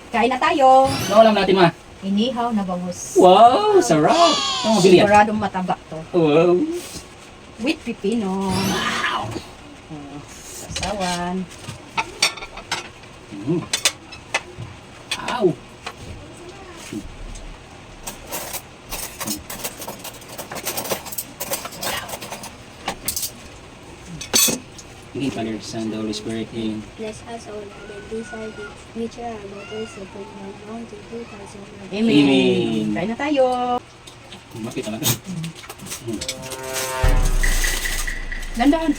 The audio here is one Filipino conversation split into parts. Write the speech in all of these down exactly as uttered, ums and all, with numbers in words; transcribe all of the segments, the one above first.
Kain na tayo. Ano alam natin, ma? Inihaw na bangus. Wow, sarap. Ano mabili yan? Siguradong mataba to. Wow. With pipino. Wow. Oh, sasawan. Mm. Wow. Hindi pala Son, the Holy Spirit in. Bless us, O Lord, and these are gifts, which are our daughters of the Lord, known to two thousand years. Amen. Amen. Kain na tayo. Bakit talaga? Mm. Dandan.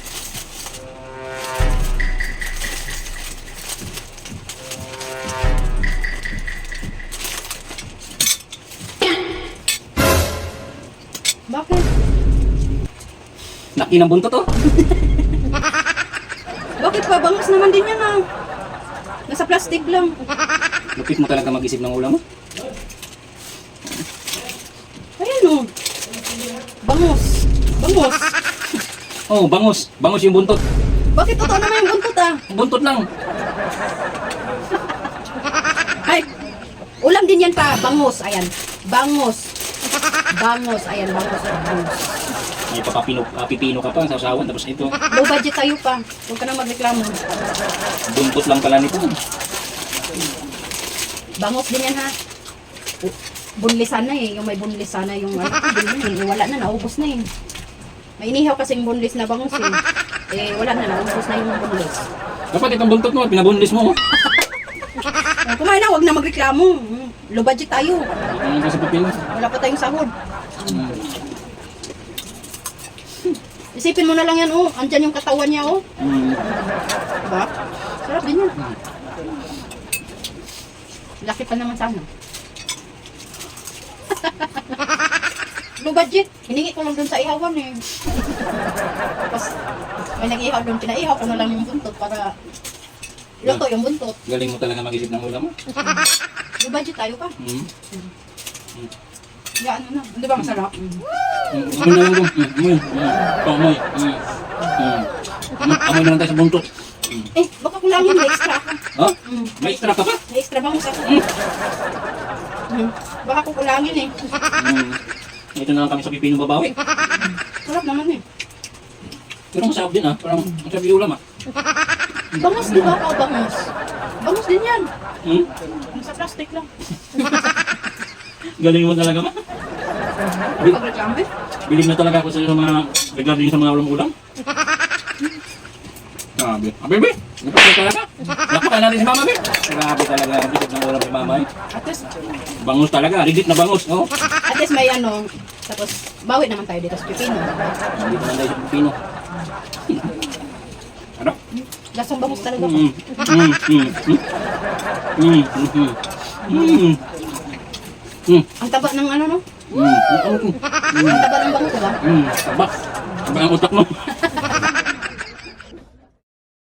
Bakit? Laki ng buntot, oh. Bakit pa? Bangus naman din yan ah. Nasa plastic lang. Lupit mo talaga mag-isip ng ulam mo. Ayan o. Bangus. Bangus. Oh, bangus. Bangus yung buntot. Bakit totoo naman yung buntot ah? Buntot lang. Ay, ulam din yan pa. Bangus. Ayan. Bangus. Bangus. Ayan, bangus. Bangus. May papapino, uh, pipino ka pa sa usawan. Tapos ito, Low budget tayo pa. Huwag ka na magreklamo. buntot lang pala nito. Bangus din yan ha. Bunlisan na eh. Yung may bunlisan na yung ano. Din yun, eh. Wala na. Naubos na eh. May inihaw kasing bunlis na bangus eh. Eh, wala na. Naubos na yung bunlis. Dapat itong buntot mo, pinabunlis mo. Oh. Oh, kumain na. Huwag na magreklamo. Hmm, Low budget tayo. Ano ka sa pipino? Wala pa tayong sahod. Mm. Isipin mo na lang yan, oh. Andyan yung katawan niya, oh. Mm. Diba? Sarap din yan. Laki pa naman sana. Low budget. Hiningi ko lang dun sa ihawan, eh. Tapos, may nag-ihaw dun. Pinaihaw ko na lang yung buntot para luto yung buntot. Galing mo talaga mag-isip ng ulam mo. Low budget tayo pa. Mm. Ya, ano na. Hindi ba masarap? Mm. Mm. Amoy na lang ito. Mm. Amoy. Mm. Amoy. Mm. Mm. Amoy na lang tayo sa buntot. Mm. Eh, baka kulangin. May extra ako. Ha? Mm. May extra ka pa? May extra bangus ako. Mm. Baka kukulangin eh. Mm. Ito na lang kami sa pipino babawi. Sarap naman eh. Pero masarap din ah. Parang masarap yung ulam ah. Bangus di ba? O bangus. Bangus din yan. Hmm? Nasa plastic lang. Galing mo talaga ma. Bil- Pag-reklamo eh. Bilig na talaga ako sa mga regarding sa mga ulam-ulam. Grabe. Ah, baby! Napag na talaga. Napakan natin si mama, baby. Grabe talaga. Ang isip ng ulam ni mama eh. At least, Bangus talaga. Rigid na bangus. Oh. at least may ano. Tapos, bawi naman tayo dito sa pipino. Hindi naman tayo sa pipino. Ano? Lasang bangus talaga ko. Mm, mm, mm, mm, mm, mm, mm, mm, Ang taba ng ano no? mm, mm, mm, Ang taba ng bangus diba? mm, taba. Taba ang utak mo.